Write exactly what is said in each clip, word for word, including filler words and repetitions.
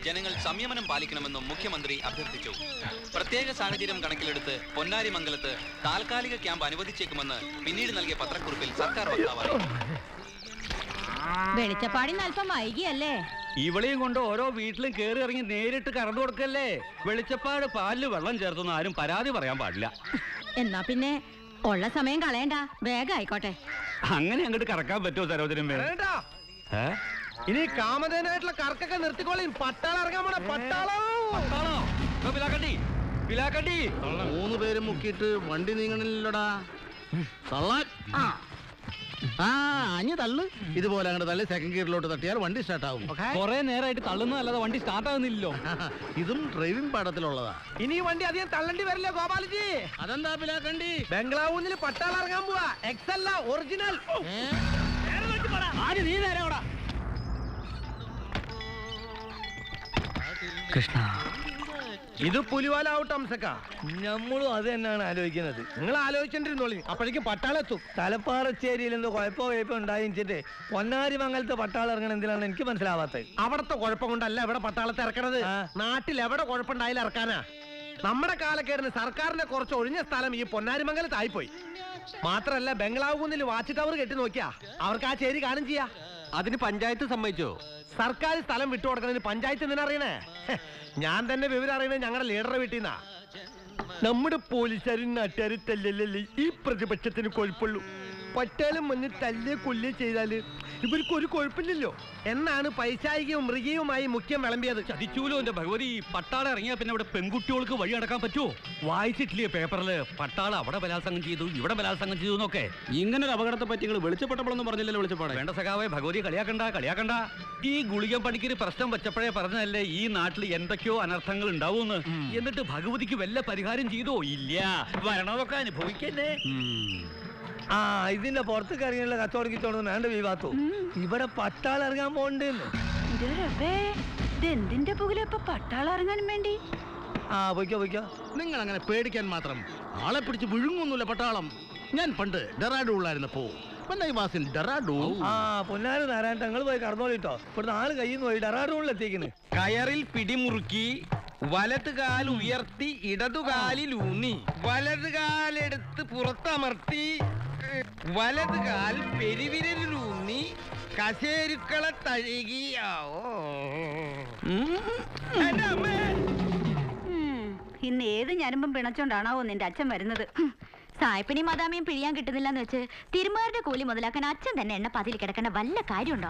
ജനങ്ങൾ സംയമനം പാലിക്കണമെന്നും മുഖ്യമന്ത്രി അഭ്യർത്ഥിച്ചു. പ്രത്യേക സാഹചര്യം കണക്കിലെടുത്ത് പൊന്നാരി മംഗലത്ത് താൽക്കാലിക ക്യാമ്പ് അനുവദിച്ചേക്കുമെന്ന് പിന്നീട് നൽകിയ പത്രക്കുറിപ്പിൽ സർക്കാർ വക്താവ് വെളിച്ചപ്പാടിന് അല്പം വൈകിയല്ലേ? ഇവളെയും കൊണ്ട് ഓരോ വീട്ടിലും കയറി ഇറങ്ങി നേരിട്ട് കറണ്ട് കൊടുക്കല്ലേ. വെളിച്ചപ്പാട് പാലില് വെള്ളം ചേർത്തൊന്നും ആരും പരാതി പറയാൻ പാടില്ല. എന്നാ പിന്നെ ഉള്ള സമയം കളയണ്ട, വേഗം ആയിക്കോട്ടെ. അങ്ങനെ അങ്ങോട്ട് കറക്കാൻ പറ്റുമോ സരോജനം? ഇനി കാമധേനായിട്ടുള്ള കറക്കൊക്കെ നിർത്തിക്കോളി. പട്ടാളം ഇറങ്ങാൻ പോണ പട്ടാളം. മൂന്ന് പേരും മുക്കിയിട്ട് വണ്ടി നീങ്ങണില്ലടാ. ആ അഞ്ഞ് തള്ളു. ഇതുപോലെ അങ്ങോട്ട് തള്ളി സെക്കൻഡ് ഗിയറിലോട്ട് തട്ടിയാൽ വണ്ടി സ്റ്റാർട്ട് ആവും. കൊറേ നേരമായിട്ട് തള്ളുന്നതല്ലാതെ വണ്ടി സ്റ്റാർട്ട് ആകുന്നില്ലല്ലോ. ഇതും ഡ്രൈവിംഗ് പാഠത്തിലുള്ളതാ. ഇനി വണ്ടി അധികം തള്ളണ്ടി വരില്ല ഗോപാലജി. അതെന്താ പിലാക്കണ്ടി? ബംഗ്ലാവൂന്നിൽ പട്ടാളം ഇറങ്ങാൻ പോവാ. എക്സ് അല്ല, ഒറിജിനൽ. നീ നേരെ കൃഷ്ണ, ഇത് പുലിവാലാവട്ടെ അംസക്ക. നമ്മളും അത് തന്നെയാണ് ആലോചിക്കുന്നത്. നിങ്ങൾ ആലോചിച്ചിട്ടിരുന്നോളി, അപ്പോഴേക്കും പട്ടാളം എത്തും. തലപ്പാറച്ചേരിയിൽ എന്തോ കുഴപ്പമോ കുഴപ്പം ഉണ്ടായിച്ചിട്ട് പൊന്നാരി മംഗലത്തെ പട്ടാളം ഇറങ്ങണം എന്തിനാണ് എനിക്ക് മനസ്സിലാവാത്തത്. അവിടത്തെ കുഴപ്പം കൊണ്ടല്ല ഇവിടെ പട്ടാളത്തെ ഇറക്കണത്. നാട്ടിൽ എവിടെ കുഴപ്പമുണ്ടായാലും ഇറക്കാനാ. നമ്മുടെ കാലക്കേടിന് സർക്കാരിന്റെ കുറച്ച് ഒഴിഞ്ഞ സ്ഥലം ഈ പൊന്നാരി മംഗലത്തായിപ്പോയി. മാത്രല്ല ബംഗ്ലാവ് കുന്നിൽ വാച്ച് ടവർ കെട്ടി നോക്കിയാ അവർക്ക് ആ ചേരി കാണും ചെയ്യാ. അതിന് പഞ്ചായത്ത് സമ്മതിച്ചോ? സർക്കാർ സ്ഥലം വിട്ടുകൊടുക്കുന്നതിന് പഞ്ചായത്ത് എന്തിനറിയണേ? ഞാൻ തന്നെ വിവരം അറിയണേ ഞങ്ങളുടെ ലീഡറെ വീട്ടിൽ നിന്നാ. നമ്മുടെ പോലീസുകാരും നാട്ടുകാരും തല്ലല്ലേ ഈ പ്രതിപക്ഷത്തിന് കുഴപ്പമുള്ളൂ. പട്ടാളം വന്ന് തല്ലിയെ കൊല്ലിയെ ചെയ്താല് ഇവർക്ക് ഒരു കുഴപ്പമില്ലല്ലോ എന്നാണ് പൈശാചികവും മൃഗീയവുമായി മുഖ്യം വിളമ്പിയത്. ചതിച്ചൂലോ എന്റെ ഭഗവതി. പട്ടാളം ഇറങ്ങിയാ പിന്നെ അവിടെ പെൺകുട്ടികൾക്ക് വഴി നടക്കാൻ പറ്റുമോ? വായിച്ചിട്ടില്ലേ പേപ്പറില് പട്ടാളം അവിടെ ബലാത്സംഗം ചെയ്തു, ഇവിടെ ബലാത്സംഗം ചെയ്തു എന്നൊക്കെ. ഇങ്ങനെ ഒരു അപകടത്തെ പറ്റി നിങ്ങൾ വെളിച്ചപ്പെട്ടപ്പോഴൊന്നും പറഞ്ഞില്ലല്ലോ. വെളിച്ചപ്പാട് വേണ്ട സഖാവേ, ഭഗവതി കളിയാക്കണ്ട കളിയാക്കണ്ട. ഈ ഗുളിക പണിക്കൊരു പ്രശ്നം വെച്ചപ്പോഴേ പറഞ്ഞതല്ലേ ഈ നാട്ടിൽ എന്തൊക്കെയോ അനർത്ഥങ്ങൾ ഉണ്ടാവൂന്ന്. എന്നിട്ട് ഭഗവതിക്ക് വല്ല പരിഹാരം ചെയ്തോ? ഇല്ല. വരണതൊക്കെ അനുഭവിക്കല്ലേ. ആ ഇതിന്റെ പുറത്തേക്ക് ഇറങ്ങിയുള്ള കച്ചവടം കിച്ചോടൊന്നും വേണ്ട വിവാത്തു. ഇവിടെ പട്ടാളം ഇറങ്ങാൻ പോകണ്ടെന്ന്. എന്തിന്റെ പുകയിലിപ്പൊ പട്ടാളം ഇറങ്ങാനും വേണ്ടി? ആ പൊയ്ക്കോ പൊയ്ക്കോ. നിങ്ങൾ അങ്ങനെ പേടിക്കാൻ മാത്രം ആളെ പിടിച്ച് വിഴുങ്ങൊന്നുമില്ല പട്ടാളം. ഞാൻ പണ്ട് ഡെറാഡൂണിലായിരുന്നപ്പോ ആ പൊന്നാര് നാരായണ ഞങ്ങൾ പോയി കടന്നോളിട്ടോ. ഇവിടുന്ന് ആള് കയ്യിൽ നിന്ന് പോയി ഡെറാഡൂണിൽ എത്തിക്കുന്നു. കയറിൽ പിടിമുറുക്കി വലത് കാൽ ഉയർത്തി ഇടതുകാലിൽ ഊന്നി വലത് കാലെടുത്ത് പുറത്തമർത്തി വലത് കാൽ പെരുവിരലിലൂന്നി കശേരുക്കളെ തഴുകിയാവോ. ഇന്ന് ഏത് ഞരമ്പും പിണച്ചോണ്ടാണാവോ നിന്റെ അച്ഛൻ വരുന്നത്. സായിപ്പിനി മദാമിയും പിഴിയാൻ കിട്ടുന്നില്ലെന്ന് വെച്ച് തിരുമാരുടെ കൂലി മുതലാക്കാൻ അച്ഛൻ തന്നെ എണ്ണ പതിൽ കിടക്കേണ്ട വല്ല കാര്യമുണ്ടോ?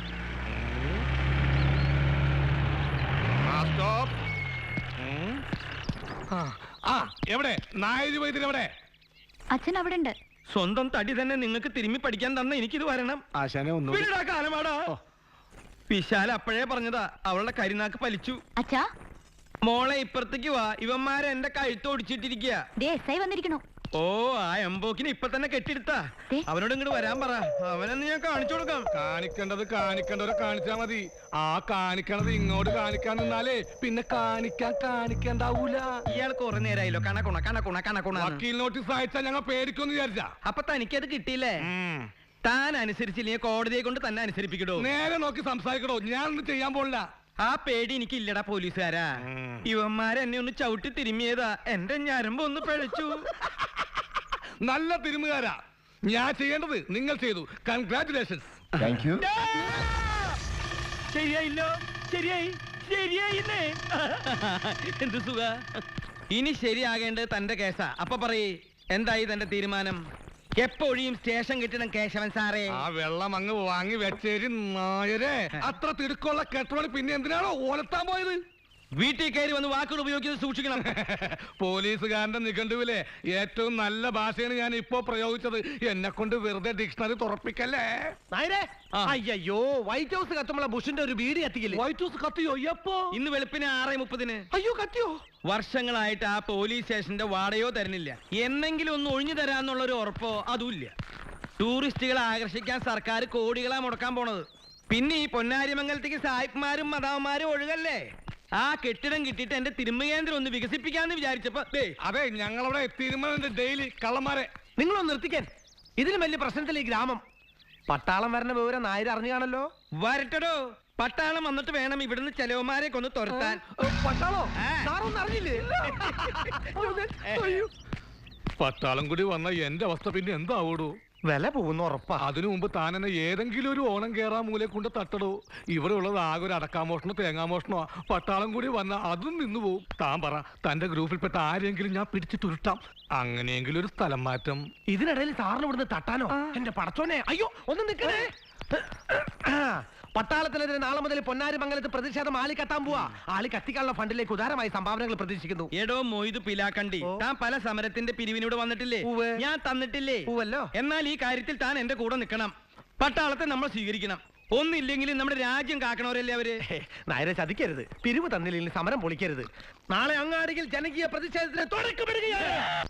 എവിടെ നായര് വൈദ്യരെവിടെ? അച്ഛൻ അവിടെ ഉണ്ട്. സ്വന്തം തടി തന്നെ നിങ്ങൾക്ക് തിരുമ്മി പഠിക്കാൻ തന്ന എനിക്കിത് വരണം. കാലമാടാ. വിശാല അപ്പോഴേ പറഞ്ഞതാ അവളുടെ കരിനാക്ക് പലിച്ചു. അച്ഛാ മോളെ ഇപ്പുറത്തേക്ക് വാ. ഇവന്മാരെ എന്റെ കഴുത്തോടിച്ചിട്ടിരിക്കുക. S I വന്നിരിക്കണു. ഓ ആ എംബോക്കിനെ ഇപ്പൊ തന്നെ കെട്ടിയെടുത്താ. അവനോട് ഇങ്ങോട്ട് വരാൻ പറ. അവനെന്ന് ഞാൻ കാണിച്ചു കൊടുക്കാം. കാണിക്കേണ്ടത് കാണിക്കേണ്ടവരെ കാണിച്ചാ മതി. ആ കാണിക്കണത് ഇങ്ങോട്ട് കാണിക്കാൻ നിന്നാലേ പിന്നെ കാണിക്കാൻ കാണിക്കണ്ടാവൂല. ഇയാൾ കുറെ നേരമായല്ലോ കണക്കുണ കണക്കുണ കണക്കുണ. വക്കീൽ നോട്ടീസ് അയച്ചാൽ ഞങ്ങൾ പേടിക്കൊന്ന് വിചാരിച്ചാ. അപ്പൊ തനിക്കത് കിട്ടിയില്ലേ? താൻ അനുസരിച്ചില്ലെങ്കിൽ കോടതിയെ കൊണ്ട് തന്നെ അനുസരിപ്പിക്കടോ. നേരെ നോക്കി സംസാരിക്കടോ. ഞാനൊന്നും ചെയ്യാൻ പോണില്ല. ആ പേടി എനിക്കില്ലടാ പോലീസുകാരാ. ഇവന്മാരെന്നെ ഒന്ന് ചവിട്ടി തിരുമ്മിയതാ. എന്റെ ഞരമ്പ് ഒന്ന് പിഴച്ചു. നല്ല തിരുമുകാരാ. ഞാൻ ചെയ്യേണ്ടത് നിങ്ങൾ ചെയ്തു. കൺഗ്രാറ്റുലേഷൻസ്. Thank you. ശരിയായില്ലോ. ശരിയായി ശരിയായില്ലേ? എന്ത് സുഖ. ഇനി ശരിയാകേണ്ടത് തന്റെ കേസാ. അപ്പൊ പറയേ എന്തായി തന്റെ തീരുമാനം? എപ്പോഴും സ്റ്റേഷൻ കിട്ടണം കേശവൻ സാറേ. ആ വെള്ളം അങ്ങ് വാങ്ങി വെച്ചേരി നായരെ. അത്ര തിടുക്കുള്ള കെട്ടോണി പിന്നെ എന്തിനാണോ ഓലത്താൻ പോയത്? വീട്ടിൽ കയറി വന്ന് വാക്കുകൾ ഉപയോഗിക്കുന്നത് സൂക്ഷിക്കണം. പോലീസുകാരന്റെ നിഘണ്ടുവിലെ ഏറ്റവും നല്ല ഭാഷയാണ് ഞാൻ ഇപ്പോ പ്രയോഗിച്ചത്. എന്നെ കൊണ്ട് വെറുതെ ഡിക്ഷണറി തുറപ്പിക്കല്ലേ. അയ്യോ വൈറ്റ് ഹൗസ് കത്തുമ്പോൾ ബുഷിന്റെ ഒരു ബീഡി കത്തിക്കില്ലേ? വൈറ്റ് ഹൗസ് കത്തിയോ? എപ്പോ? ഇന്ന് വെളുപ്പിന് ആറ് മുപ്പതിന്. അയ്യോ കത്തിയോ? വർഷങ്ങളായിട്ട് ആ പോലീസ് സ്റ്റേഷന്റെ വാടകയോ തരുന്നില്ല. എന്നെങ്കിലും ഒന്ന് ഒഴിഞ്ഞു തരാന്നുള്ള ഒരു ഉറപ്പോ അതുമില്ല. ടൂറിസ്റ്റുകളെ ആകർഷിക്കാൻ സർക്കാർ കോടികളാ മുടക്കാൻ പോണത്. പിന്നെ ഈ പൊന്നാരിമംഗലത്തേക്ക് സായിപ്പ്മാരും മദാവന്മാരും ഒഴുകല്ലേ. ആ കെട്ടിടം കിട്ടിയിട്ട് എന്റെ തിരുമകേന്ദ്രം ഒന്ന് വികസിപ്പിക്കാന്ന് വിചാരിച്ചപ്പോ അതെ ഞങ്ങളവിടെ തിരുമലന്റെ ഡെയിലി കള്ളന്മാരെ. നിങ്ങളൊന്ന് നിർത്തിക്കാൻ. ഇതിലും വലിയ പ്രശ്നത്തിൽ ഈ ഗ്രാമം. പട്ടാളം വരണ വിവരം നായർ അറിഞ്ഞു കാണല്ലോ. വരട്ടടോ. പട്ടാളം വന്നിട്ട് വേണം ഇവിടുന്ന് ചെലവന്മാരെ കൊന്ന് തുരത്താൻ. പട്ടാളോ ആ. സാറൊന്നും അറിഞ്ഞില്ലേ? അയ്യോ. പട്ടാളം കൂടി വന്ന എന്റെ അവസ്ഥ പിന്നെ എന്താവൂടൂ? വില പോകുന്ന ഉറപ്പാ. അതിനു മുമ്പ് താൻ എന്നെ ഏതെങ്കിലും ഒരു ഓണം കേറാൻ മൂലെ കൊണ്ട് തട്ടടോ. ഇവിടെ ഉള്ളത് ആകെ ഒരു അടക്കാമോഷണോ തേങ്ങാമോഷണോ. പട്ടാളം കൂടി വന്ന അതും നിന്നു പോവും. താൻ പറ, തന്റെ ഗ്രൂപ്പിൽപ്പെട്ട ആരെങ്കിലും ഞാൻ പിടിച്ചിട്ടുരുട്ടാം. അങ്ങനെയെങ്കിലും ഒരു സ്ഥലം മാറ്റം. ഇതിനിടയിൽ സാറിന് ഇവിടുന്ന് തട്ടാനോ? എന്റെ പടച്ചോനെ, അയ്യോ ഒന്ന് നിൽക്കണേ. പട്ടാളത്തിനെതിരെ നാളെ മുതൽ പൊന്നാരി മംഗലത്ത് പ്രതിഷേധം ആളി കത്താൻ പോവാ. ആളി കത്തിക്കാനുള്ള ഫണ്ടിലേക്ക് ഉദാരമായി സംഭാവനകൾ പ്രതീക്ഷിക്കുന്നു. എടോ മൊയ്ത് പിലാക്കണ്ടി, ഓ. താൻ പല സമരത്തിന്റെ പിരിവിനോട് വന്നിട്ടില്ലേ? ഉവ്വ്. ഞാൻ തന്നിട്ടില്ലേ? പൂവല്ലോ. എന്നാൽ ഈ കാര്യത്തിൽ താൻ എന്റെ കൂടെ നിൽക്കണം. പട്ടാളത്തെ നമ്മൾ സ്വീകരിക്കണം. ഒന്നില്ലെങ്കിലും നമ്മുടെ രാജ്യം കാക്കണവരല്ലേ അവര്. നായരെ ചതിക്കരുത്. പിരിവ് തന്നില്ലെങ്കിൽ സമരം പൊളിക്കരുത്. നാളെ അങ്ങാടിയിൽ ജനകീയ പ്രതിഷേധത്തിന് തുടക്കമിടുകയാണ്.